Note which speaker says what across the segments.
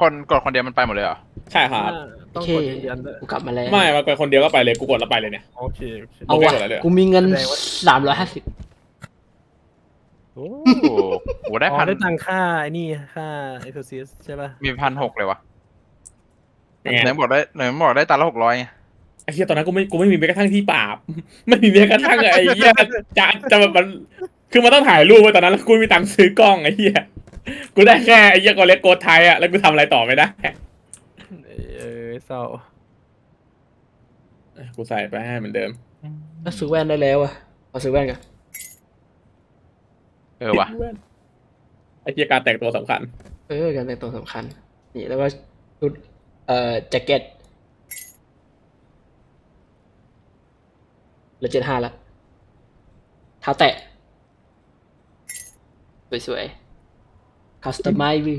Speaker 1: กดคนเดียวมันไปหมดเลยเหรอ
Speaker 2: ใช่ครับ
Speaker 3: ต้องกดยืนยันด้วย
Speaker 4: กูกลับมาแล้ว
Speaker 2: ไม่มาไปคนเดียวก็ไปเลยกูกดแล้วไปเลยเนี่ย
Speaker 3: โอเค
Speaker 4: เอาวะกูมีเงิน350
Speaker 3: โอ้
Speaker 1: โหได้พัน
Speaker 3: ได้ตังค่าไอ้นี่ค่าเอ็กซ์ซิสใช่ป่ะ
Speaker 1: มี1,600เลยวะ
Speaker 2: ยังไง
Speaker 1: ไหนบอกได้ตันละ600ไง
Speaker 2: ไอ้เหี้ยตอนนั้นกูไม่มีแม้กระทั่งที่ปราบ ไม่มีแม้กระทั่งไอ้เหี้ยจะแบบมันคือมันต้องถ่ายรูปไว้ตอนนั้นแล้วกูมีตังค์ซื้อกล้องไอ้เหี้ยกูได้แค่ไอ้เหี้ยกอเล็กโกดไทยอะแล้วกูทำอะไรต่อไม่ได้
Speaker 3: เศร้า
Speaker 2: กูใส่ไปให้เหมือนเดิม
Speaker 4: ก็ซื้อแว่นได้แล้วอะขอซื้อแว่นกัน
Speaker 1: วะ
Speaker 2: ไอ้เหี้ยการแต่งตัวสำคัญ
Speaker 4: การแต่งตัวสำคัญนี่แล้วก็ชุดแจ็คเก็ตเหลือ75แล้วเท้าแตะสวยๆคัสตอมไมซ์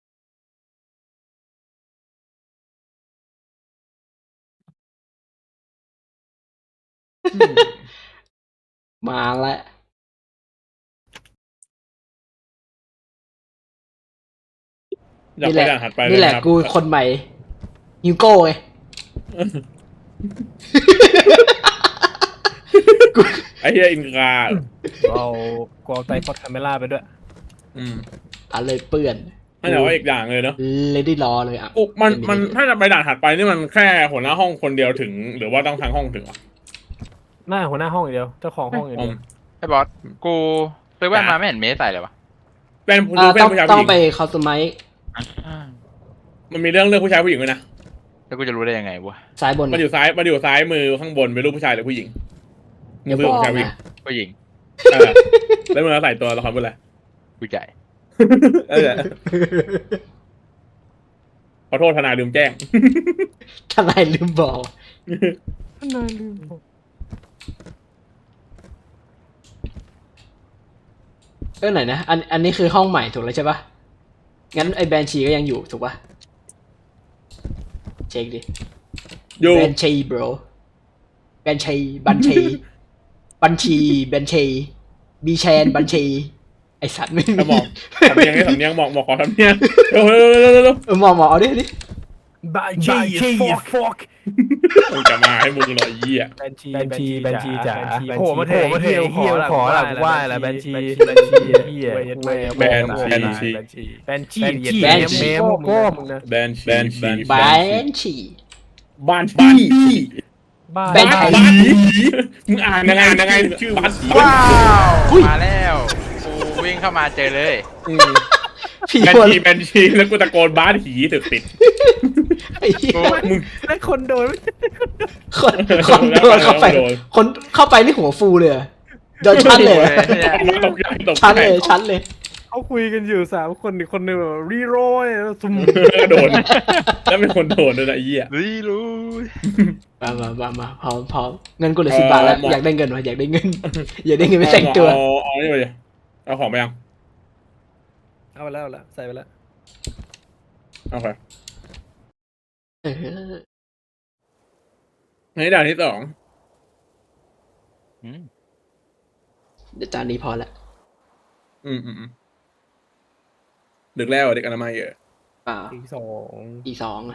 Speaker 4: มาแล้ว
Speaker 2: อยากไปด่านถัดไปเลย
Speaker 4: นี่แหละ
Speaker 2: นะครับ
Speaker 4: กูคนใหม่ฮิวโก้ไง
Speaker 2: ไอ้เหี้ยอินกา
Speaker 3: เอาไตรพอดคาเมล่าไปด้วย
Speaker 4: อะไรเปื่อน
Speaker 2: ไม่แต่ว่าอีกอย่างเลยเนาะ
Speaker 4: เลดี้รอเลยอ่ะ
Speaker 2: มันถ้าจะไปด่านถัดไปนี่มันแค่หัวหน้าห้องคนเดียวถึงหรือว่าต้องทั้งห้องถึงอ่ะ
Speaker 3: หน้าหัวหน้าห้องอย่างเดียวเจ้าของห้องอย่างเดียว
Speaker 1: ไอ้บอสกูซื้อแว่นมาไม่เห็นเมสใส่เลยวะ
Speaker 2: เป็นผู้ชาย
Speaker 4: ต้อง
Speaker 2: ผู้ชาย
Speaker 4: ต้
Speaker 2: ผู้
Speaker 4: อ
Speaker 2: ห
Speaker 4: ง
Speaker 2: ญิง
Speaker 4: ไปคอสตอมไมซ์
Speaker 2: มันมีเรื่องเลือกผู้ชายผู้หญิงด้วยนะ
Speaker 1: แล้วกูจะรู้ได้ยังไงวะ
Speaker 4: ซ้ายบน
Speaker 2: มันอยู่ซ้ายมือข้างบนเป็นรูปผู้ชายหรือผู้หญิง
Speaker 4: อย่า
Speaker 2: มื
Speaker 4: บ
Speaker 2: อ
Speaker 4: อก
Speaker 2: ผู้ชายผู้หญิง
Speaker 4: นะ
Speaker 1: ผู้หญิง
Speaker 2: เออแล้วมึงใส่ตัวละครเป็นอะไร
Speaker 1: ผู้ใหญ่
Speaker 2: เออขอโทษทนายลืมแจ้ง
Speaker 4: ทนายลืมบอก
Speaker 3: น่าลืม
Speaker 4: ไหนนะอันนี้คือห้องใหม่ถูกแล้วใช่ปะงั้นไอ้แบนชีก็ยังอยู่ถูกปะเช็คดิ
Speaker 2: อยู่
Speaker 4: แบนชี bro แบนชีบัญชีบัญชีแบนชีบีแชนบัญชีไอสัตว์ไม่มี
Speaker 2: สมองสำเนียงหมอกขอสำเนียงเร็ว
Speaker 4: หมอเอาดิ
Speaker 3: บาจีฟอก
Speaker 2: มึงจะมาให้มึงหน่อยเยี่ย
Speaker 3: แบนชีจ๋าโผล่มาเถอะเฮียขอละกูว่าละแบนชีเฮียแบนชีแมวก้มนะ
Speaker 2: แบนชี
Speaker 4: แบนชี
Speaker 2: บ้านชีมึงอ่านยังไงชื่อบ้านชี
Speaker 1: ว้าวมาแล้วกูวิ่งเข้ามาเจอเลย
Speaker 4: ผี
Speaker 2: แบน
Speaker 4: หัว
Speaker 2: ชีแล้วกูตะโกนบ้านผีถึกติด
Speaker 4: ไอ้เหี้ย
Speaker 2: มึง
Speaker 3: แล้วคนโดน
Speaker 4: คนโดนเข้าไปคนเข้าไปนี่หัวฟูเลยอะโดนชั้นเลยอะ
Speaker 2: ตกใจ
Speaker 4: ชั้นเลย
Speaker 3: เขาคุยกันอยู่3 คนอีกคนนึงแบบรีโรยซุ่ม
Speaker 2: โดนแล้วเป็นคนโดนด้วยนะเยี่ย
Speaker 1: รู้
Speaker 4: มาพร้อมเงินกูเหลือ10 บาทแล้วอยากได้เงินวะอยากได้เงินไม่แต่งตัว
Speaker 2: เอานี่ไปเลยเอาของไปยัง
Speaker 3: เอาไปแล้วใส่ไปแล้ว
Speaker 2: โอเค
Speaker 4: เออ
Speaker 2: นี่ด่านที่2
Speaker 4: เดี๋ยวจานนี้พอละ
Speaker 2: ดึกแล้วเด็กอนามัยเยอะ
Speaker 4: เปล่า
Speaker 3: อีก
Speaker 4: อีก2อ่ะ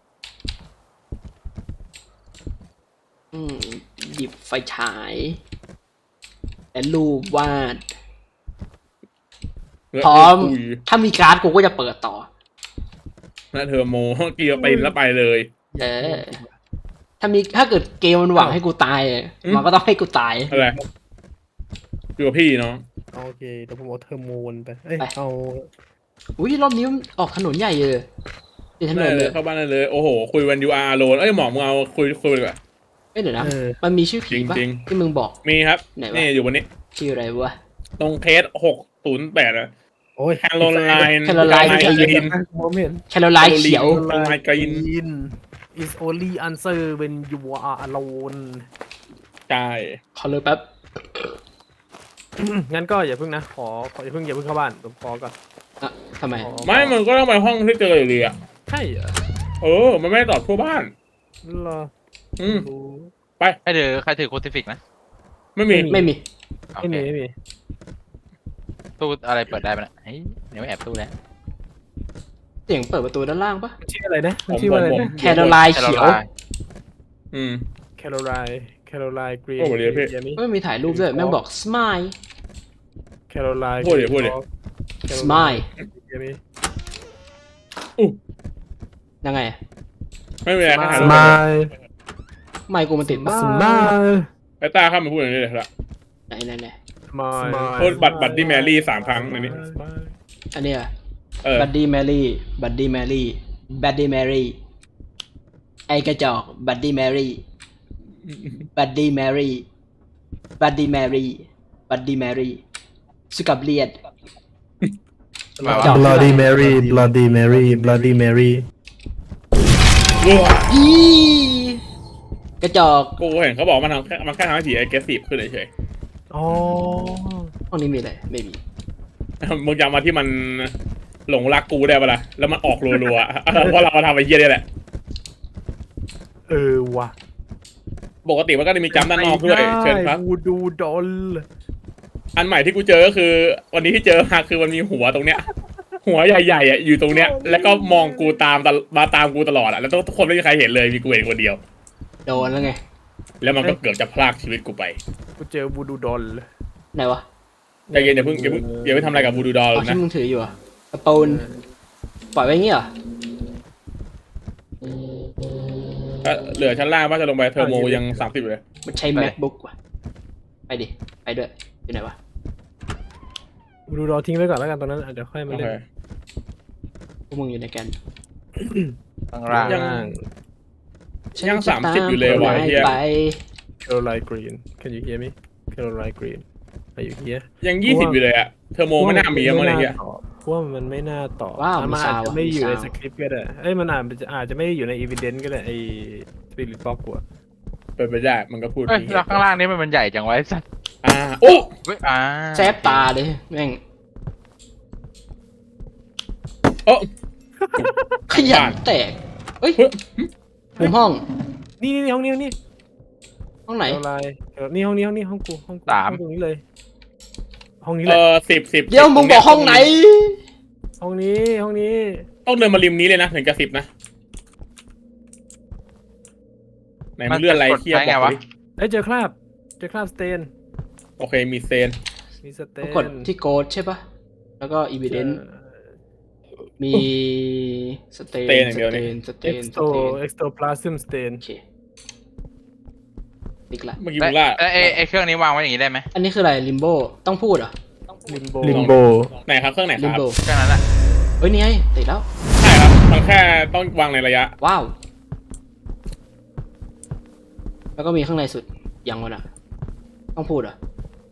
Speaker 4: หยิบไฟฉายและรูปวาดพร้อมถ้ามีการ์ดกูก็จะเปิดต่อ
Speaker 2: นะเธอโมกีไปแล้วไปเลย
Speaker 4: ถ้าเกิดเกมมันหวังให้กูตายมันก็ต้องให้กูตาย
Speaker 2: อะไรอยู่กับพี่เนาะ
Speaker 3: โอเคเดี๋ยวผมเอาเทอร์โมนไปเอา
Speaker 4: อุ้ยรอบนี้ออกถนนใหญ่เลยเป็นถน
Speaker 2: ได้
Speaker 4: น
Speaker 2: เล
Speaker 4: เลย ย
Speaker 2: เข้าบ้านได้เลยโอ้โหคุยวันยูอาร์โลนหมอมึงเอาคุยดีกว่า
Speaker 4: เดี๋ยวนะมันมีชื่อผีป่ะ
Speaker 2: จริง
Speaker 4: ที่มึงบอก
Speaker 2: มีครับ
Speaker 4: ไหนวะ
Speaker 2: นี่อยู่บนนี้
Speaker 4: ชื่ออะไรวะ
Speaker 2: ตรงเคส608อะ
Speaker 3: โอ้ย
Speaker 2: แคโรไลน์
Speaker 4: แคโรไลน์
Speaker 2: กรีน
Speaker 3: ผมเห็น
Speaker 4: แคโรไลน์เขียว
Speaker 2: แคโรไลน์กรีน
Speaker 3: is only answer when you are alone
Speaker 2: ใช่
Speaker 4: ขอเลยแป๊บ
Speaker 3: งั้นก็อย่าเพิ่งนะขออย่าเพิ่งเข้าบ้านผมขอก่อน
Speaker 4: ทำไม
Speaker 2: ไม่มันก็ต้องไปห้องที่เจออยู่ดีอ่ะ
Speaker 3: ใช่เหรอ
Speaker 2: มันไม่ได้ตอบทั่วบ้าน
Speaker 3: เหรอ
Speaker 1: ใครถือโคติฟิกนะ
Speaker 2: ไม่มี
Speaker 4: ไม่มี
Speaker 1: โอ
Speaker 3: ไม่
Speaker 1: เค
Speaker 3: มี
Speaker 1: ตู้อะไรเปิดได้ปะเนี่ยเฮ้ยเดี๋ยวแอบตู้แล้ว
Speaker 4: เสียงเปิดประตูด้านล่างปะ
Speaker 3: มันชื่ออะไรนะมันชื่อว่าอะไรนะ
Speaker 4: แคโรไลน์เขียว
Speaker 2: อืม
Speaker 3: แคโรไลน์กรีน
Speaker 2: โอ้โหเดี๋ยวพี่
Speaker 4: ไม่มีถ่ายรูปด้วยแม่งบอก smile
Speaker 3: แคโรไลน์
Speaker 2: พูดดิ
Speaker 4: smile ยังไง
Speaker 2: ไม่เป็นไรก็หา
Speaker 3: ส
Speaker 2: รูป
Speaker 3: มาย
Speaker 4: ไม่กูมันติดปะ
Speaker 3: สมาย
Speaker 2: ไอ้ตาเข้ามาพูดอย่างนี้เลยละ
Speaker 4: ไหน
Speaker 3: สมาย
Speaker 2: พูดบัตรที่แมรี่3 ครั้งในนี้
Speaker 4: อันเนี้ย
Speaker 2: บั
Speaker 4: บัดดี้แมรี่บัดดี้แมรี่บัดดี้แมรี่ไอกระจอกบัดดี้แมรี่บัดดี้แมรี่บัดดี้แมรี่บัดดี้แมรี่สกับเลียด จอก
Speaker 3: Bloody Mary
Speaker 4: อีกระจอก
Speaker 2: กูเห็นเขาบอกมันแค่ทำให้ผี aggressive ขึ้นเฉย
Speaker 3: อ๋อ
Speaker 4: ห้องนี้มีอะไรไม่มี
Speaker 2: ๆมึงจำมาที่มันหลงรักกูได้ปะล่ะแล้วมันออกรัวๆเพราะเราทำไอ้เหี้ยนี่แหละ
Speaker 3: ว่ะ
Speaker 2: ปกติมันก็จะมีจำด้านนอกด้วยเชิญครับ
Speaker 3: วูดูดอล
Speaker 2: อันใหม่ที่กูเจอก็คือ วันนี้ที่เจอมาคือมันมีหัวตรงเนี้ย หัวใหญ่ๆอ่ะอยู่ตรงเนี้ยแล้วก็มองกูมาตามกูตลอดอ่ะแล้วทุกคนไม่มีใครเห็นเลยมีกูเห็นคนเดียว
Speaker 4: โดนแล้วไง
Speaker 2: แล้วมันก็เกือบจะพรากชีวิตกูไป
Speaker 3: กูเจอวูดูดอล
Speaker 4: ไหนวะ
Speaker 2: ใจเย็นอย่าเพิ่งทำอะไรกับบูดูดอล
Speaker 4: เอา
Speaker 2: นะ
Speaker 4: ที่มึงถืออยู่อะกระปูนปล่อยไว้งี้เหรอ
Speaker 2: เหลือชั้นล่างว่าจะลงไปเทอร์โมยัง30อยู่เลย
Speaker 4: มันใช้ macbook ว่ะไปดิไปด้วยอยู่ไหนวะ
Speaker 3: วูดูดอลทิ้งไว้ก่อนแล้วกันตอนนั้นเดี๋ยวค่อยมา
Speaker 2: โอ
Speaker 3: เล่
Speaker 2: เคน
Speaker 4: พวกมึงอยู่ในกัน
Speaker 1: ข้างล่าง
Speaker 2: ยัง30อยู่เลยว่ะไอ้เหี้ย
Speaker 4: ไป
Speaker 3: Caroline Green Can you hear me Caroline Green Are you here
Speaker 2: ยัง20อยู่เลยอ่ะเทอร์โมไม่น่ามีอะมั้งไอ้เหี้ย
Speaker 3: เพราะว่ามันไม่น่าตอบ
Speaker 4: ว้าว
Speaker 3: มันอาจจะไม่อยู่ใน
Speaker 4: มี
Speaker 3: ส
Speaker 4: ซาว
Speaker 3: คริปต์ก็ได้มันอาจจะไม่อยู่ใน evidence ก็ได้ไอ้ Spirit Box กว่า
Speaker 2: เป็นไปได้มันก็พูด
Speaker 1: เฮ้ยแล้วข้างล่างนี่มันใหญ่จังไวะไอ้สัตว์
Speaker 2: โอ้
Speaker 1: เฮ้ย
Speaker 4: แซบตาเลยแม่ง
Speaker 2: โอ้
Speaker 4: ขยันแตกเฮ้ยมุมห้อง
Speaker 3: นี่ห้องนี้ห้องนี้
Speaker 4: ห้องไหน
Speaker 3: Caroline นี่ห้องนี้ห้องกูห้องตรงนี้เลยห้องนี้
Speaker 2: เอ
Speaker 3: เลย
Speaker 2: อ10
Speaker 4: เดี๋ยวมึงบอกห้องไหน
Speaker 3: ห้องนี้
Speaker 2: ต้องเดินมาริมนี้เลยนะถึงจะ10นะไหนมันเลื่อนอะไรเทียบบอกดิ
Speaker 3: เจอคราบสเตน
Speaker 2: โอเคมีเซน
Speaker 3: มีสเตน
Speaker 4: กดที่โกดใช่ปะแล้วก็อีเวนต์มีสเตน
Speaker 3: Ectoplasm stain
Speaker 4: โอเคติ๊กละ
Speaker 2: เมื่อกี้มึงล่า
Speaker 1: ไอ้เครื่องนี้วางไว้อย่างนี้ได้ไหม
Speaker 4: อันนี้คืออะไรลิมโบต้องพูดเหรอ
Speaker 3: Limbo
Speaker 2: ไหนครับเครื่องไหนค
Speaker 4: ลิม
Speaker 2: รับ
Speaker 4: โบ
Speaker 1: เครื่องนั้นแหละ
Speaker 4: เฮ้ยนี่ไงติดแล้ว
Speaker 2: ใช่ครับมันแค่ต้องวางในระยะ
Speaker 4: ว้าว แล้วก็มีข้างในสุดยังวะน่ะต้องพูดเหรอ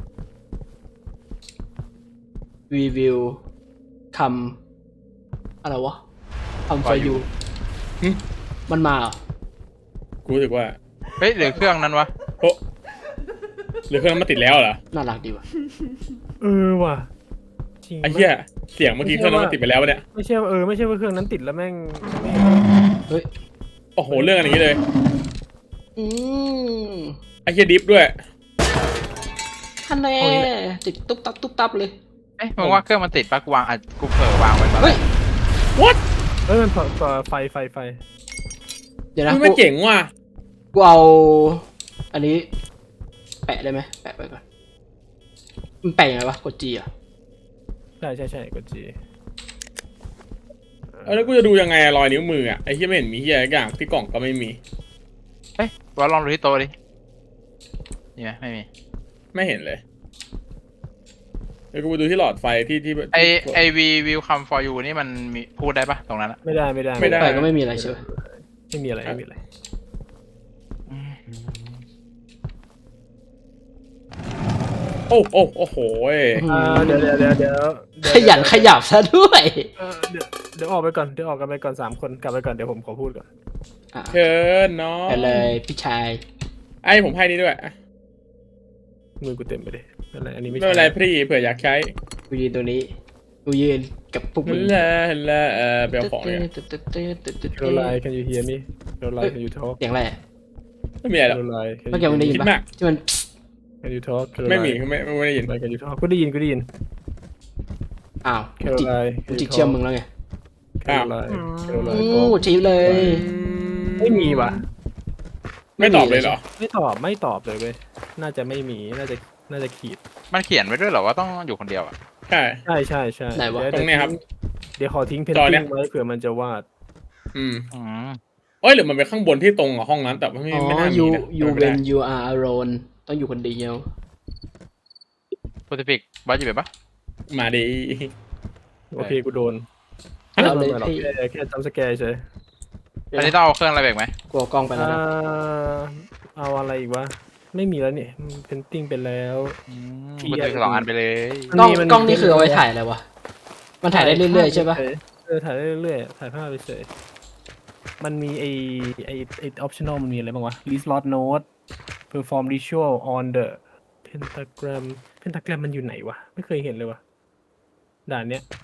Speaker 4: We will come อะไรวะ come for you
Speaker 2: หึ
Speaker 4: มันมาเหรอ
Speaker 2: กูรู้สึกว่า
Speaker 1: เฮ้ยหรือเครื่องนั้นวะ
Speaker 2: โอ้หรือเครื่องนั้นมันติดแล้วเหรอ
Speaker 4: น่ารักดีว่ะ
Speaker 3: ว่ะจริง
Speaker 2: ไอ้เหี้ยเสียงเมื่อกี้เครื่องนั้นมันติดไปแล้ววะเนี่ย
Speaker 3: ไม่ใช่ว่าเครื่องนั้นติดแล้วแม่ง
Speaker 4: เฮ้ย
Speaker 2: โอ้โหเรื่องอันนี้เลย
Speaker 4: อืม
Speaker 2: ไอ้เหี้ยดิฟด้วย
Speaker 4: ท่านแน่ติดตุ๊บตับเลย
Speaker 1: เอ้ยมึงว่าเครื่องมันติดปะกูวางกูเผลอวางไว้ตอนแร
Speaker 4: เฮ้ย
Speaker 1: ก
Speaker 2: what
Speaker 3: มันไฟ
Speaker 4: เดี๋ยวนะ
Speaker 2: มันเจ๋งว่ะ
Speaker 4: กูเอา อันนี้ แปะได้ไหมแปะไปก่อน มันแปะยังไงวะ กดจีอ่ะ
Speaker 3: ใช่กดจี
Speaker 2: แล้วกูจะดูยังไงรอยนิ้วมืออ่ะไอ้เหี้ยไม่เห็นมีเหี้ยอะไรอย่างที่กล่องก็ไม่มี
Speaker 1: เฮ้ยว่าลองดูที่โต๊ะดินี่ไหมไม่มี
Speaker 2: ไม่เห็นเลยเดี๋ยวกูไปดูที่หลอดไฟที่
Speaker 1: ไอวิวคัมฟอร์ยูนี่มันมีพูดได้ปะตรงนั้นอะ
Speaker 3: ไม่ได้
Speaker 4: ไปก็ไม่มีอะไรใช่ไหม
Speaker 3: ไม่มีอะไร
Speaker 2: โอ้โห
Speaker 3: เดี๋ยว
Speaker 4: ขยันขยับซะด้วย
Speaker 3: เดี๋ยวออกไปก่อน3 คนกลับไปก่อนเดี๋ยวผมขอพูดก่อน
Speaker 4: อ่ะ
Speaker 2: เชิญน้อง
Speaker 4: ไปเลยพี่ชาย
Speaker 2: ไอ้ผมให้นี่ด้วย
Speaker 3: มือกูเต็มไปดิอะไรอันนี้
Speaker 2: ไม่เป็นไรพี่เผื่ออยากใช้
Speaker 4: กูยืนตัวนี้กูยืนกับพวกมึง
Speaker 2: แล้วไปเอาของเนี่ย
Speaker 3: Caroline Can you hear me Caroline Can you talk
Speaker 4: เสียงอะไรอะ
Speaker 2: ไม่มีอะไรหรอก
Speaker 3: Caroline
Speaker 4: เมื่อกี้มึงได้ยิน
Speaker 2: คิด
Speaker 4: ปะ
Speaker 2: มาก
Speaker 4: ที่มัน
Speaker 3: Can you talk
Speaker 2: ไม่มีไม่ได้ยิน
Speaker 3: Can you talk กูได้ยิน
Speaker 4: อ้าวกู
Speaker 3: Caroline
Speaker 4: จิกเชื่อมมึงแล้วไง
Speaker 3: แคโรไลน์แคโรไลน์
Speaker 4: ชี้เลย
Speaker 3: ไม่มีว่ะ
Speaker 2: ไม่ตอบเลยเหรอ
Speaker 3: ไม่ตอบเลยเว้ยน่าจะไม่มีน่าจะขีด
Speaker 1: มันเขียนไว้ด้วยเหรอว่าต้องอยู่คนเดียวอ่ะ
Speaker 2: ใช่
Speaker 3: ใช่
Speaker 4: ไหนวะ
Speaker 3: ดี๋ยว
Speaker 2: ตรงเนี้ยครับ
Speaker 3: เดี๋ยวขอทิ้งเพน
Speaker 2: จอเนี่
Speaker 3: ติ้
Speaker 2: ย
Speaker 3: งไว้เผื่อมันจะวาด
Speaker 2: อืม
Speaker 1: อืม
Speaker 2: เอ้ยหรือมันเป็นข้างบนที่ตรงกับห้องนั้นแต่ว่าไม่
Speaker 4: อ๋อ
Speaker 2: ไม่น่ามี
Speaker 4: you
Speaker 2: นะ
Speaker 4: you
Speaker 2: ไม่ได้
Speaker 4: when you are alone ต้องอยู่คนเดียว
Speaker 1: โปรติฟิกบอสอยู่แบบปะ
Speaker 2: มาดี
Speaker 3: โอเคกูโดน
Speaker 4: เอาเลย
Speaker 3: ไม่หรอก
Speaker 4: พี่
Speaker 3: แค่จำสแกร์เฉย
Speaker 1: อันนี้ต้องเอาเครื่องอะไรแบกไหม
Speaker 4: กลัวกล้องไปแล้วนะ
Speaker 3: เอาอะไรอีกวะไม่มีแล้วนี่เพนติ้งไปแล้ว
Speaker 1: โปรติฟิก2 อันไปเลย
Speaker 4: กล้องกล้องนี่คือเอาไว้ถ่ายอะไรวะ มันถ่ายได้เรื่อยๆใช่ปะ
Speaker 3: ถ่ายได้เรื่อยๆถ่ายภาพไปเฉยมันมีไอออปชั่นอลมันมีอะไรบ้างวะ list lot note perform ritual on the pentagram มันอยู่ไหนวะไม่เคยเห็นเลยวะด่านเนี้ย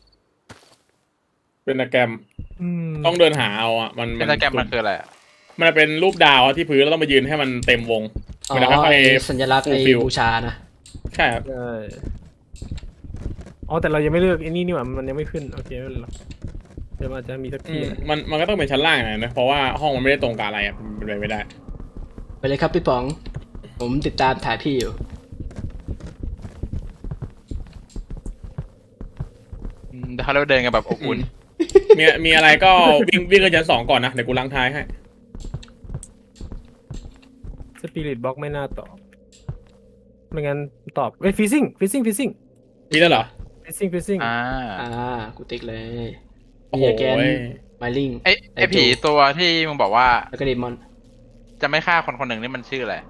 Speaker 2: เป็นแกรม
Speaker 3: อืม
Speaker 2: ต้องเดินหาเอาอ่ะมัน
Speaker 1: เป็นตะแกรมมันคืออะไรอะ
Speaker 2: มันเป็นรูปดาวที่พื้นแล้วต้องมายืนให้มันเต็มวง
Speaker 4: อ๋อ
Speaker 2: มันจะค่อย
Speaker 4: ไอ้สัญลักษณ์ไอ้
Speaker 2: fulfill
Speaker 4: บูชานะ
Speaker 2: ใช่ครับ
Speaker 3: ใช่อ๋อแต่เรายังไม่เลือกไอ้นี่หว่ามันยังไม่ขึ้นโอเคไม่เป็นไรเดี๋ยวมันอาจจะมีสัก
Speaker 2: อื
Speaker 3: ที
Speaker 2: มมันก็ต้องเป็นชั้นล่างหน่อยนะเพราะว่าห้องมันไม่ได้ตรงกับอะไรอ่ะเป็นไปไม่ได้
Speaker 4: ไปเลยครับพี่ป๋อง ผมติดตามถ่ายพี่อยู่
Speaker 1: เดี๋ยวเขาเดินกันแบบอบอุ่น
Speaker 2: มีอะไรก็วิ่งขึ้นชั้น 2ก่อนนะเดี๋ยวกูล้างท้ายให้
Speaker 3: สปิริตบ็อกไม่น่าตอบไม่งั้นตอบเอ้ยฟิซซิ่ง
Speaker 2: มีแล้วเหรอ
Speaker 1: อ่า
Speaker 4: กูติ๊กเลย
Speaker 2: โอ้
Speaker 4: มี
Speaker 2: โห
Speaker 4: แกนไมลิง
Speaker 1: ไอผีตัวที่มึงบอกว่า
Speaker 4: แล้วก็เดมอน
Speaker 1: จะไม่ฆ่าคนคนหนึ่งนี่มันชื่ออะไร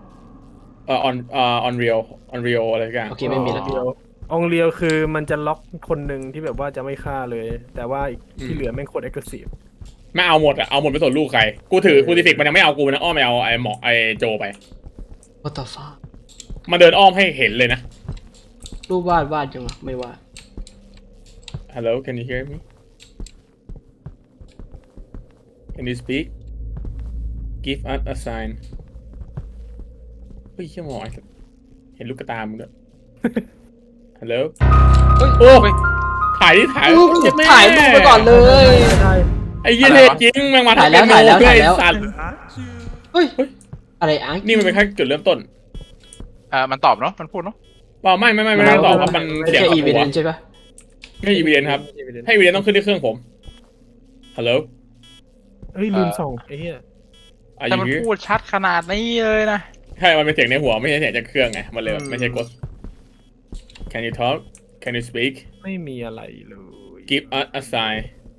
Speaker 2: on real อะไรสักอย่าง
Speaker 4: โอเคไม่มีแล้ว
Speaker 3: องเรียวคือมันจะล็อกคนหนึ่งที่แบบว่าจะไม่ฆ่าเลย แต่ว่าอีกที่เหลือแม่งโคตรเอ็กซ์ซีฟ
Speaker 2: ไม่เอาหมดอ่ะเอาหมดไปส่วนลูกใครกูถือคูติฟิกมันยังไม่เอากูนะอ้อมไปเอาไอ้หมอไอ้โจไป
Speaker 4: What the fuck
Speaker 2: มาเดินอ้อมให้เห็นเลยนะ
Speaker 4: รูปวาดจังวะไม่วาด
Speaker 2: Hello can you hear me Can you speak Give us a sign เฮ้ยเชี่ยหมอเห็นลูกตามึงด้วย Hello
Speaker 4: เฮ้ย
Speaker 2: โอ้
Speaker 1: เฮ้ย
Speaker 2: ถ่ายดิถ่าย
Speaker 4: ถ่ายรูปไปก่อนเลย
Speaker 3: ได้
Speaker 2: ไอ้เหี้ยเทจริงแม่งมา
Speaker 4: ถ่ายแล้ว
Speaker 2: ทำ
Speaker 4: ถ่ายแล้ว
Speaker 2: เพื่อ
Speaker 4: ถ่ายแล้ว
Speaker 2: ไอ้สัตว์
Speaker 4: เฮ้ย อะไรอ่ะ
Speaker 2: นี่มันเป็นแค่จุดเริ่มต้น
Speaker 1: มันตอบเนาะมันพูดเนาะ
Speaker 2: เปล่าไม่ได้ตอบว่ามัน
Speaker 4: ไม่
Speaker 2: เสียง
Speaker 4: ใช่
Speaker 2: กับ
Speaker 4: อีเว
Speaker 2: หัวน
Speaker 4: ต์ใช่ปะ
Speaker 2: ไม่อีเวนครับให้อีเวนต้องขึ้นที่เครื่องผม Hello
Speaker 3: เฮ้ยลืมส่งไอ้เหี้ย
Speaker 2: Are
Speaker 1: แต่
Speaker 2: you
Speaker 1: มัน
Speaker 2: here
Speaker 1: พูดชัดขนาดนี้เลยนะ
Speaker 2: ใช่มันเป็นเสียงในหัวไม่ใช่เสียงจากเครื่องไงมันเลยไม่ใช่กด Can you talk Can you speak
Speaker 3: ไม่มีอะไรเลย
Speaker 2: Give us a sign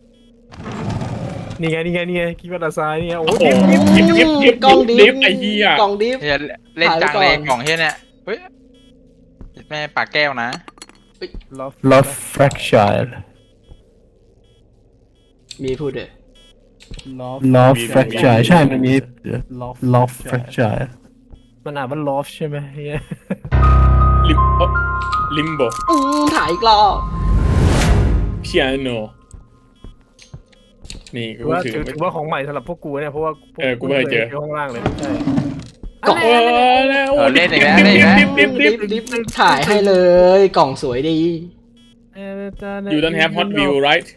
Speaker 3: นี่ไงคิดว่าตาซ้ายนี่ไงโอ้
Speaker 2: โอ้
Speaker 3: โห
Speaker 2: โหดิฟ
Speaker 4: กล้องดิ
Speaker 2: ดิ
Speaker 4: ฟ
Speaker 2: ฟไอ้เหี้ย
Speaker 4: กล้องดิฟ
Speaker 1: เฮียเล่นจัง
Speaker 4: ถ่ายไว้ก่อน
Speaker 1: เลยกล่องเฮียเนี่ยเฮ้ยแม่ปากแก้วนะ
Speaker 3: Love fracture
Speaker 4: มีพูดเลย
Speaker 3: Love fracture ใช่มันมี Love fracture มันอ่านว่า love ใช่ไหมเฮีย
Speaker 2: Limbo
Speaker 4: ถ่ายอีกรอบ
Speaker 2: Piano นี่กู
Speaker 3: ว่า
Speaker 2: ถือ
Speaker 3: ถือว่าของใหม่สำหรับพวกกูเนี่ยเพราะว่าพว
Speaker 2: กูไม่เคยเจอ
Speaker 3: ห้องล่างเลยใช่
Speaker 4: กล่อง
Speaker 1: เล่นอีกแล้วเล่นอีกแล้ว
Speaker 4: ดิฟถ่ายให้เลย กล่องสวยดี
Speaker 2: You don't have hot view right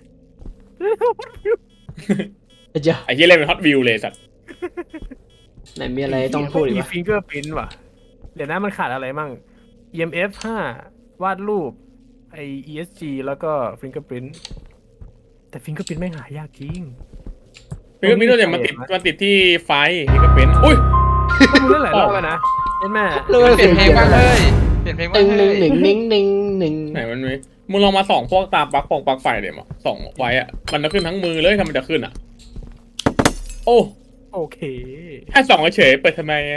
Speaker 4: เจ้า
Speaker 2: ไอ้เหี้ยเล่นเป็น hot view เลยสัตว์
Speaker 4: ไหนมีอะไรต้องพูดอีก
Speaker 3: มี
Speaker 4: วะ
Speaker 3: ฟิงเกอร์พิ้นว่ะเดี๋ยวนะมันขาดอะไรมั่ง EMF 5 วาดรูปไอ ESG แล้วก็ฟิงเกอร์พิ้นแต่ฟิงเกอร์พิ้นไม่งหายากจริง
Speaker 2: ฟิงเกอร์พิ้นเนี่ยมันติดที่ไฟฟิงเกอร์พิ้นอุ้ย
Speaker 3: ต้องมึงเล่นหลายรอบแล้วนะเห็นไหม
Speaker 1: เปลี่ยนเพลงบ้างเลยเปลี่ยนเพลงบ้าง
Speaker 4: ห
Speaker 1: เล
Speaker 4: นึ่ง
Speaker 1: ย
Speaker 4: หนึ่งหนึ่งหนึ่งหนึ่ง
Speaker 2: ไหนมันมีมึงลองมาส่องพวกตาปลั๊กปลั๊กไฟเดี๋ยวมาส่องไว้อะมันจะขึ้นทั้งมือเลยทำไมจะขึ้นอ่ะ โอ้
Speaker 3: โอเค
Speaker 2: แค่ส่องเฉยๆเปิดทำไมอะ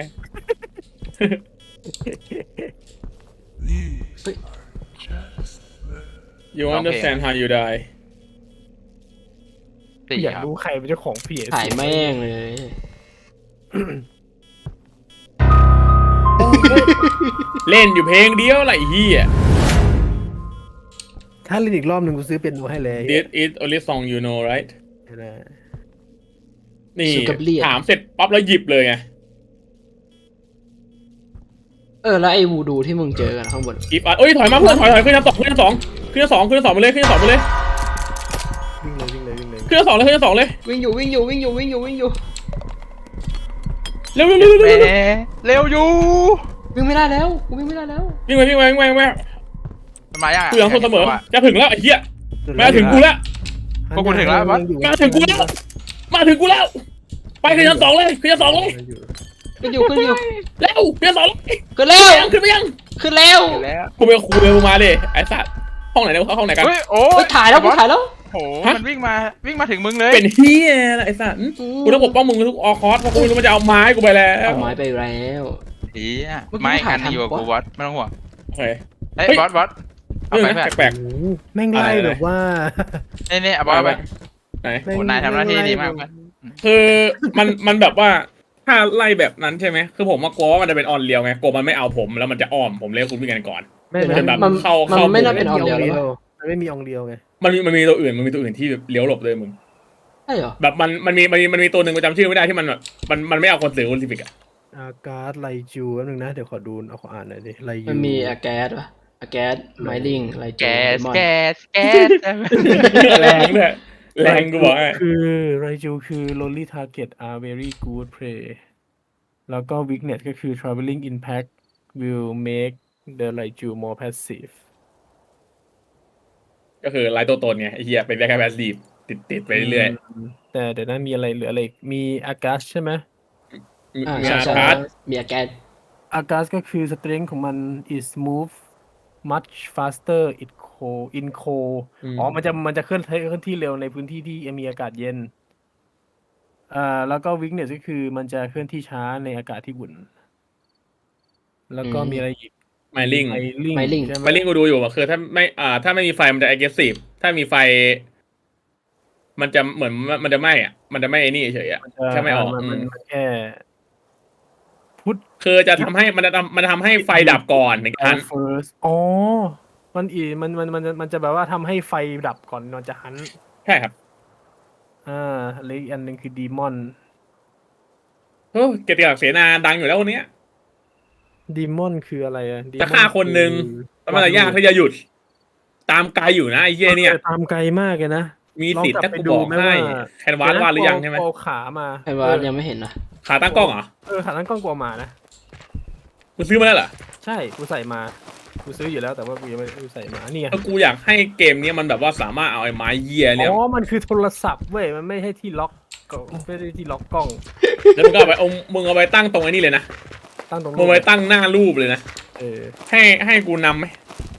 Speaker 2: You understand how you die
Speaker 1: สี่
Speaker 3: อยาก
Speaker 1: ครับ
Speaker 3: รู้ใครเป็นเจ้าของเพจ
Speaker 4: ถ่ายแม่งเลย
Speaker 2: เล่นอยู่เพลงเดียวไรเฮีย
Speaker 3: ถ้าเล่นอีกรอบหนึ่งกูซื้อเป็นดูให้เลย
Speaker 2: This is only song you know right
Speaker 3: นะ
Speaker 2: นี่
Speaker 4: สุกับเลียด
Speaker 2: ถามเสร็จปั๊บแล้วหยิบเลยไง
Speaker 4: แล้วไอ้วูดูที่มึงเจอกันข้างบน
Speaker 2: หยิบอ่ะเอ้ยถอยมาเพื่อนถอยขึ้นชั้นสองขึ้นชั้นสองขึ้นชั้นสองขึ้นชั้นสองไปเลยขึ้นชั้นสองไปเลย
Speaker 3: วิ่งเลย
Speaker 2: ขึ้นชั้นสองเลยขึ้นชั้นสองเลย
Speaker 4: วิ่งอยู่วิ่งอยู่วิ่งอยู่วิ่งอยู่วิ่งอยู่
Speaker 2: เร็วเร็วเร็ว
Speaker 1: แหม
Speaker 2: เร็ว
Speaker 1: เร็วอยู่
Speaker 4: วิ่งไม่ได้แล้วกูวิ่งไม่ได้แล้ว
Speaker 2: วิ่งไปวิ่งไปวิ่งไปวิ่งไป
Speaker 1: มันมายัง
Speaker 2: กูยังคนเสมอจะถึงแล้วไอ้เหี้ยมาถึงกูแล้ว
Speaker 1: พวกกูถึงแล้ววะ
Speaker 2: มาถึงกูแล้วมาถึงกูแล้วไปขึ้นชั้นสองเลยขึ้นชั้นสองเลย
Speaker 4: ขึ้นอยู่ขึ้นอยู่
Speaker 2: เร็วขึ้นชั้นสองเลย
Speaker 4: ขึ้นแล้ว
Speaker 2: ขึ้นไปยัง
Speaker 4: ขึ้นแล้ว
Speaker 1: เห็นแล้ว
Speaker 2: กูไปกับครูเลยมึงมาดิไอ้สัตว์ห้องไหนเนี่ยเขาห้องไหนกัน
Speaker 1: เฮ้ยโอ้
Speaker 4: เฮ้ยถ่ายแล้วกูถ่ายแล้ว
Speaker 1: โหมันวิ่งมาถึงมึงเลย
Speaker 2: เป็นเฮียอะไรไอ้สัตว์กูต้องปกป้องมึงทุกออคอสเพราะกูไม่รู้มันจะเอาไม้กูไปแล้ว
Speaker 4: เอาไม้ไปแล้ว
Speaker 1: เฮีย
Speaker 4: เมื่อกี้
Speaker 1: ไม่
Speaker 4: ถ่าย
Speaker 1: กันอยู่กับ
Speaker 4: ทันปะ
Speaker 1: กูบอสไม่ต้องห่วง
Speaker 2: โอเค
Speaker 1: เฮ้ย
Speaker 2: เฮ้ย
Speaker 1: บอสเอา
Speaker 2: เรื่อง
Speaker 1: ไป
Speaker 2: นะ
Speaker 1: เพื่อน
Speaker 2: แปลก
Speaker 3: โอ้โหแม่งไล่แบบว่า
Speaker 1: นี่เอาบอสเอาไป
Speaker 2: ๆไหน
Speaker 1: โอ้นายทำหน้าที่ดีมากเพื่อน
Speaker 2: คือมันแบบว่าถ้าไล่แบบนั้นใช่ไหมคือผมว่ากลัวว่ามันจะเป็นออนเรียวไงกลัวมันไม่เอาผมแล้วมันจะอ้อมผมเลยคุณวิ่งกันก่อน
Speaker 3: ไม่
Speaker 2: เดี๋ยวจะแบบ
Speaker 4: มัน
Speaker 2: เข้า
Speaker 4: มันไม่น่าเป็นอ
Speaker 3: มี
Speaker 4: อนเดียวหรอวะ
Speaker 3: มันไม่มีองเดียวไง
Speaker 2: มันมีตัวอื่นมันมีตัวอื่นที่เลี้ยวหลบเลยมึง
Speaker 4: ใช่เหรอ
Speaker 2: แบบมันมีตัวหนึ่งกูจำชื่อไม่ได้ที่มันแบบมันไม่เอาคนสื่อโอลิมปิกอะ
Speaker 3: อากาศไลจูแป๊บนึงนะเดี๋ยวขอดูขออ่านหน่อยดิไลยู
Speaker 4: มันมีอาแก๊สวะอาแก๊สไมลิงอะไร
Speaker 1: แกส
Speaker 4: มอน
Speaker 1: แกสแกส
Speaker 2: แรงเลยแรงกูบอกให้
Speaker 3: คือไรจูคือ lonely target are very good prey แล้วก็ weakness ก็คือ traveling impact will make the Raiju more passive
Speaker 2: ก็คือไล่ตัวตนไงไอ้เหี้ยเป็นแค่แพสซีฟติดไปเรื่อย
Speaker 3: แต่เดี๋ยวนะมีอะไรเหลืออะไรอีกมีอากาศใช่ไหม
Speaker 2: ๆมี
Speaker 4: อ่า
Speaker 2: มี
Speaker 4: ใช่
Speaker 2: อา
Speaker 4: ใช่
Speaker 2: การ์ด
Speaker 4: มีอาแก๊ส
Speaker 3: อากาศก็คือ strength ของมัน is move much faster in cold อ๋อมันจะเคลื่อนที่เร็วในพื้นที่ที่มีอากาศเย็นแล้วก็ weakness ก็คือมันจะเคลื่อนที่ช้าในอากาศที่อุ่น แล้วก็มีอะไรอีก
Speaker 2: ไมลิง
Speaker 3: ไมลิงใช่ไหม
Speaker 2: ไมลิงกูดูอยู่อะคือถ้าไม่มีไฟมันจะ aggressive ถ้ามีไฟ มันจะเหมือนมันจะไหม้อะมันจะไหม้ไอ้นี่เฉยๆอะแค่ไม่ออก
Speaker 3: มันแค่พุท
Speaker 2: คือจะทำให้มันทำให้ไฟดับก่อนหนึ่งครั้ง
Speaker 3: first อ๋อมันจะแบบว่าทำให้ไฟดับก่อนนอนจะหัน
Speaker 2: ใช่ครับ
Speaker 3: แล้วอีกอันหนึ่งคือดีมอน
Speaker 2: โอ้เกียรติศักดิ์เสนาดังอยู่แล้วคนเนี้ย
Speaker 3: ดีมอนคืออะไรอะ
Speaker 2: จะฆ่าคนหนึ่ง แล้วมันจะยากที่จะหยุด ตามไกลอยู่นะไอ้เหี้ยเนี่ย
Speaker 3: ตามไกลมากเลยนะ
Speaker 2: มีสิทธิ์ถ้ากูบอกให้แคนวาสวาดหรือยังใช่ไหม
Speaker 3: เอาขามา
Speaker 4: ไอ้ว่ายังไม่เห็นนะ
Speaker 2: ขาตั้งกล้องเหรอ
Speaker 3: ขาตั้งกล้องกลัวมานะ
Speaker 2: กูซื้อมาแล้วเหรอ
Speaker 3: ใช่กูใส่มากูซื้ออยู่แล้วแต่ว่ากูยังไม่ได้ใส่มานี่ไง
Speaker 2: แล้วกูอยากให้เกมนี้มันแบบว่าสามารถเอาไอ้ไม้เหี้ยเนี่ย
Speaker 3: อ๋อมันคือโทรศัพท์เว้ยมันไม่ใช่ที่ล็อกกล้องไม่ได้ที่ล็อกกล้อง
Speaker 2: แล้วมึงก็เอาไปมึงเอาไปตั้งตรงไอ้นี่เลยนะ
Speaker 3: ตั้งตรง
Speaker 2: มึงเอาไปตั้งหน้ารูปเลยนะ
Speaker 3: เออ
Speaker 2: ให้กูนำไหม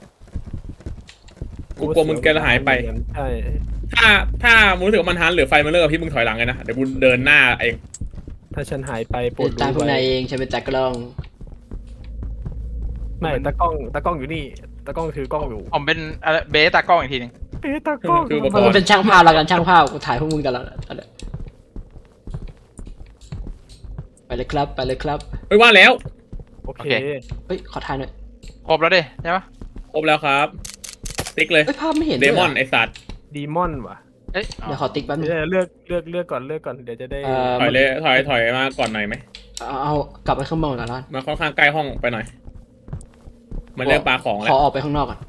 Speaker 2: กูกลัวมึงแกจะหายไป
Speaker 3: ใช่
Speaker 2: ถ้ามึงรู้สึกว่ามันหันหรือไฟมันเลิกกับพี่มึงถอยหลังเลยนะ เดี๋ยวกูเดินหน้าเอง
Speaker 3: ถ้าฉันหายไปโปร
Speaker 4: เป็
Speaker 3: ด
Speaker 4: นตามพวก
Speaker 3: ไว้
Speaker 4: นายเองฉันเป็นตากล้อง
Speaker 3: ไม่ตากล้องอยู่นี่ตากล้องถือกล้องอยู่
Speaker 1: ผมเป็นเบสตากล้องอีกทีหนึง
Speaker 3: ตากล้อง
Speaker 2: คืออุปก
Speaker 4: มั
Speaker 2: ร
Speaker 4: น
Speaker 2: ณ์
Speaker 4: เป็นช่างภาพแล้วกันช่างภาพกูถ่ายพวกมึงกันแล้วตอนเนี้ยไปเลยครับไปเลยครับ
Speaker 2: ไม่ว่าแล้ว
Speaker 3: โอเค
Speaker 4: เฮ้ยขอถ่ายหน่อย
Speaker 1: ครบแล้วดิใช่ปะ
Speaker 2: ครบแล้วครับ ติ๊กเลย
Speaker 4: เฮ้ยภาพไม่เห็น
Speaker 2: เด
Speaker 4: ด้วย
Speaker 2: มอน
Speaker 4: อะ
Speaker 2: ไอสัตว์
Speaker 3: ดีมอนว่ะ
Speaker 1: เอ้ย
Speaker 4: เดี๋ยวขอติ๊กแป๊บนึง
Speaker 3: เลือกก่อนเดี๋ยวจะได้
Speaker 2: ถอยเลยถอยมาก่อนหน่อยไหม
Speaker 4: เอากลับไปข้างบนก่อนแล้ว
Speaker 2: มาค่อนข้างใกล้ห้องไปหน่อย มันเริ่มปลาของ
Speaker 4: ข
Speaker 2: แล้
Speaker 4: อ
Speaker 2: ว
Speaker 4: ออกไปข้างนอกก่อน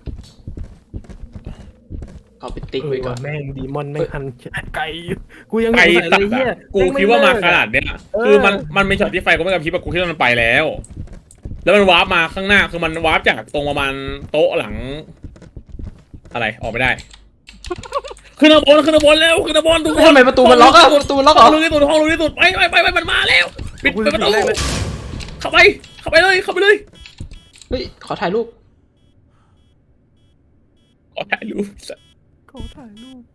Speaker 4: ขอไปติ๊กไว้ก่อน
Speaker 3: แม่งดีมอนแม่งหันไกลกูยัง
Speaker 2: ไกล
Speaker 3: ใส่
Speaker 2: สั
Speaker 3: เล
Speaker 2: ต
Speaker 3: ย
Speaker 2: ว์
Speaker 3: เฮีย
Speaker 2: อะกูคิดว่ามาขนาดเนี้ย คือมันมีช็อตที่ไฟกูไม่กระพริบอะกูคิดว่ามันไปแล้ว แล้วมันวาร์ปมาข้างหน้าคือมันวาร์ปจากตรงประมาณโต๊ะหลัง อะไรออกไม่ได้ ขึ้นมาบนแล้วขึ้นมาบนทุกคน
Speaker 4: ทำไมประตูมันล็อกอะประตูมันล็อกเหร
Speaker 2: ห้
Speaker 4: อ
Speaker 2: องรู้ที่สุดห้องรู้ที่สุดไปมันมาแล้วปิดประตูเข้าไปเลยเข้าไปเลย
Speaker 4: เฮ้ยขอถ่ายรูป
Speaker 2: ขอถ่ายรูป
Speaker 3: เขาถ่ายรูป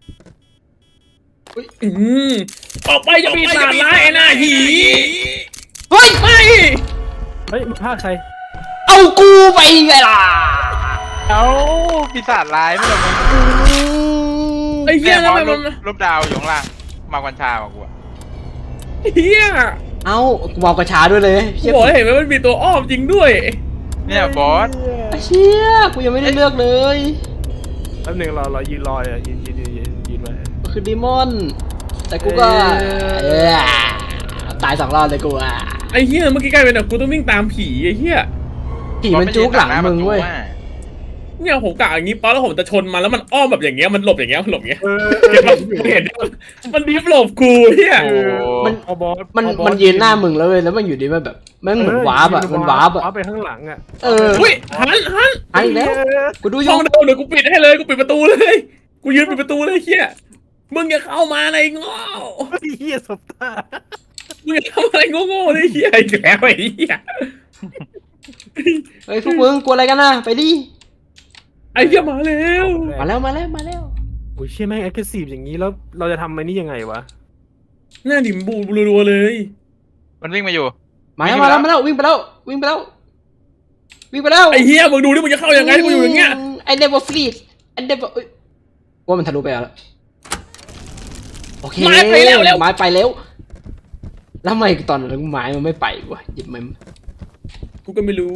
Speaker 2: ออกไปจะมีสารร้ายไอ้หน้าหี
Speaker 4: เฮ้ย
Speaker 2: ไม่
Speaker 3: เฮ้ยภาคใคร
Speaker 4: เอากูไปไงล่ะ
Speaker 1: เอ้าปีศาจร้ายไม่หรอกมึง
Speaker 2: ไอ้เหี้ย
Speaker 1: แม่
Speaker 2: แล้ว
Speaker 1: บอ
Speaker 2: มั
Speaker 1: ส
Speaker 2: น
Speaker 1: รูปดาวอยู่ข้างล่างมากัญชาบอกกูอะ
Speaker 2: เหี้ย
Speaker 4: เอากูมองกระชาด้วยเลย
Speaker 2: กูบอกให้เห็นว่ามันมีตัวอ้อมจริงด้วย
Speaker 1: เนี่ยบอส
Speaker 4: ไอ้เชี่ยกูยังไม่ได้เลือกเลย
Speaker 3: แป๊บนึงเรายืนรออ่ะยืนไว้
Speaker 4: มันคือดีมอน แต่กูก็
Speaker 3: เอ้ย
Speaker 4: ตาย2 รอบเลยกูอ่ะ
Speaker 2: ไอ้เหี้ยเมื่อกี้กลายเป็นแบบกูต้องวิ่งตามผีไอ้เหี้ย
Speaker 4: ผีมันจุกหลังมึงเว้ย
Speaker 1: บ
Speaker 2: เนี่ยผมกะอย่างงี้ป๊อปแล้วผมจะชนมันแล้วมันอ้อมแบบอย่างเงี้ยมันหลบอย่างเงี้ยมันหลบอย่างเงี้ย
Speaker 3: เออ
Speaker 2: เห็นมันดีฟหลบกูเฮีย
Speaker 1: โอ้
Speaker 4: มัน
Speaker 3: พอบอส
Speaker 4: มันยืนหน้ามึงแล้วเว้ยแล้วมันอยู่ดีมันแบบแม่งเหมือนวาร์ปอะมันวาร์ปอะ
Speaker 3: ไปข้างหลังอะ
Speaker 4: เออ
Speaker 2: อุ้ยหัน
Speaker 4: หายอีกแล้วกูดูอ
Speaker 2: ช่อยู่ งเดิมเดี๋ยวกูปิดให้เลยกูปิดประตูเลยกูยืนปิดประตูเลยเฮียมึงอย่าเข้ามาในโง่
Speaker 3: เฮียสบตา
Speaker 2: มึงอย่าเข้ามาในโง่ๆเลยเฮียอีกแล้วไอ้เฮีย
Speaker 4: เฮ้ยพวกมึงกลัวอะไรกันนะไปดิ
Speaker 2: ไอ้เฮียมาแล้ว
Speaker 4: มาแล้วมาแล้วมาแล้ว
Speaker 3: โอ้ยเชี่ยแม่งแอคทีฟอย่างนี้แล้วเราจะทำไอ้นี่ยังไงวะ
Speaker 2: หน้าดิมบูรัวๆเลย
Speaker 1: มันวิ่งมาอยู่
Speaker 4: มาแล้วมาแล้วมาแล้ววิ่งไปแล้ววิ่งไปแล้ววิ่งไปแล้ว
Speaker 2: ไอ้เฮียมึงดูดิมึงจะเข้ายังไงมึงอยู่อย่างเงี้ย
Speaker 4: ไอ้ never freeze ไอ้ never ว่ามันทะลุไปแล้วโอเค
Speaker 2: ไม้ไปแล้ว
Speaker 4: ไม้ไปแล้วแล้วทำไมตอนนั้นไม้มันไม่ไปวะหยิบมัน
Speaker 2: กูก็ไม่รู้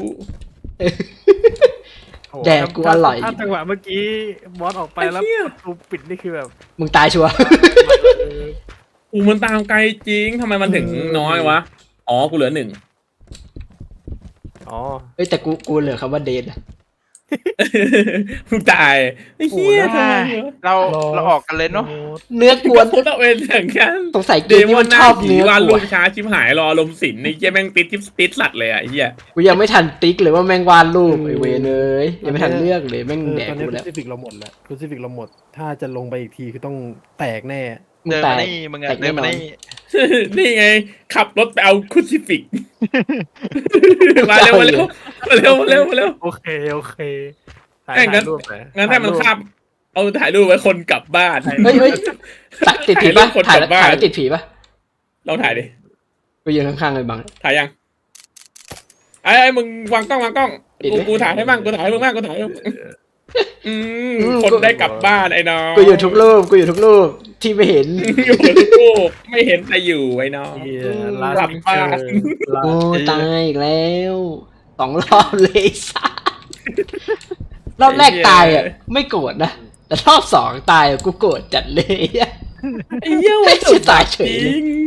Speaker 3: โอ้
Speaker 4: แดกกูอร่อย
Speaker 3: ถ้าจังหวะเมื่อกี้บอสออกไปแล้วประตูปิดนี่คือแบบ
Speaker 4: มึงตายชัวร์
Speaker 2: กูมันตามไกลจริงทำไมมันถึงน้อยวะอ๋อกูเหลือ 1
Speaker 3: อ๋อ
Speaker 4: เอ้ยแต่กูเหลือคำว่าเดน
Speaker 2: มึงตายไอ้เฮียทำไมวะ
Speaker 1: เราออกกันเลยเนาะ
Speaker 4: เนื้อกวน
Speaker 2: กูต้องเป็นอย่างนั้น
Speaker 4: สงสัยเก
Speaker 2: เด
Speaker 4: ม
Speaker 2: ม
Speaker 4: นี้
Speaker 2: อ
Speaker 4: มัน น
Speaker 2: หน้า
Speaker 4: ชอบ
Speaker 2: ผี
Speaker 4: เนื้อ
Speaker 2: วาด
Speaker 4: กู
Speaker 2: รูป
Speaker 4: อะ
Speaker 2: ช้าชิบหายรออารมณ์ศิลป์ในเหี้ยแม่งติดสัตว์เลยอ่ะไอ้เหี้ย
Speaker 4: กูยังไม่ทันติ๊กเลยว่าแม่งวาดรูปไอเวรเลยยังไม่ทันเลือกเลยแม่งแดก
Speaker 3: ตอนนี้
Speaker 4: กู
Speaker 3: คุ
Speaker 4: แล้ว
Speaker 3: ซิฟิกเราหมดแล้วคุซิฟิกเราหมด ถ้าจะลงไปอีกทีคือต้องแตกแน่
Speaker 4: มึง
Speaker 1: เดิน
Speaker 4: แต
Speaker 1: มาก นี่มึงอะ
Speaker 4: แตก
Speaker 1: เดิ
Speaker 4: แน่
Speaker 1: น
Speaker 4: น
Speaker 1: มา
Speaker 4: อน
Speaker 1: นี่
Speaker 2: นี่ไง ขับรถไปเอาคุซิฟิก มาเร็วมาเร็วมาเร็วมาเร็วมาเร็ว
Speaker 3: โอเคโอเคถ่าย
Speaker 2: เอ้ยงั้น
Speaker 3: รูปหน่อย
Speaker 2: งั้นถ้ามันข้ามเอาถ่ายรูปไว้คนกลับบ้าน
Speaker 4: เฮ้ยติดผีปะ
Speaker 2: คน
Speaker 4: ถ่าย
Speaker 2: ก
Speaker 4: แล้
Speaker 2: ลั
Speaker 4: ว
Speaker 2: บบ้าน
Speaker 4: ถ่ายแล้วติดผีปะ
Speaker 2: เราถ่ายดิ
Speaker 4: ไปยืนข้างๆเลยบัง
Speaker 2: ถ่ายยังไอ้มึงวางกล้อง
Speaker 4: ปิดไหม
Speaker 2: กูถ่ายให้บ้างกูถ่ายให้มึงบ้างกูถ่ายให้มึงคนได้กลับบ้านไอ้น้อง
Speaker 4: กูอยู่ทุกรูปที่ไม่เห็น
Speaker 2: อยู่ทุกรูปไม่เห็นแต่อยู่ไอ้น้อง
Speaker 3: เหี้ยลา
Speaker 2: หลับ
Speaker 3: ส
Speaker 2: บ้าน
Speaker 4: โอ้ตายอีกแล้ว2 รอบเลยสัสรอบแรกตายอ่ะไม่โกรธนะแต่รอบ 2ตายอะกูโกรธจัดเลย
Speaker 2: ไอ้เหี้ย
Speaker 4: ไม่
Speaker 2: มัน
Speaker 4: ใช่ตายเฉย
Speaker 2: จ
Speaker 4: เลย
Speaker 2: ริง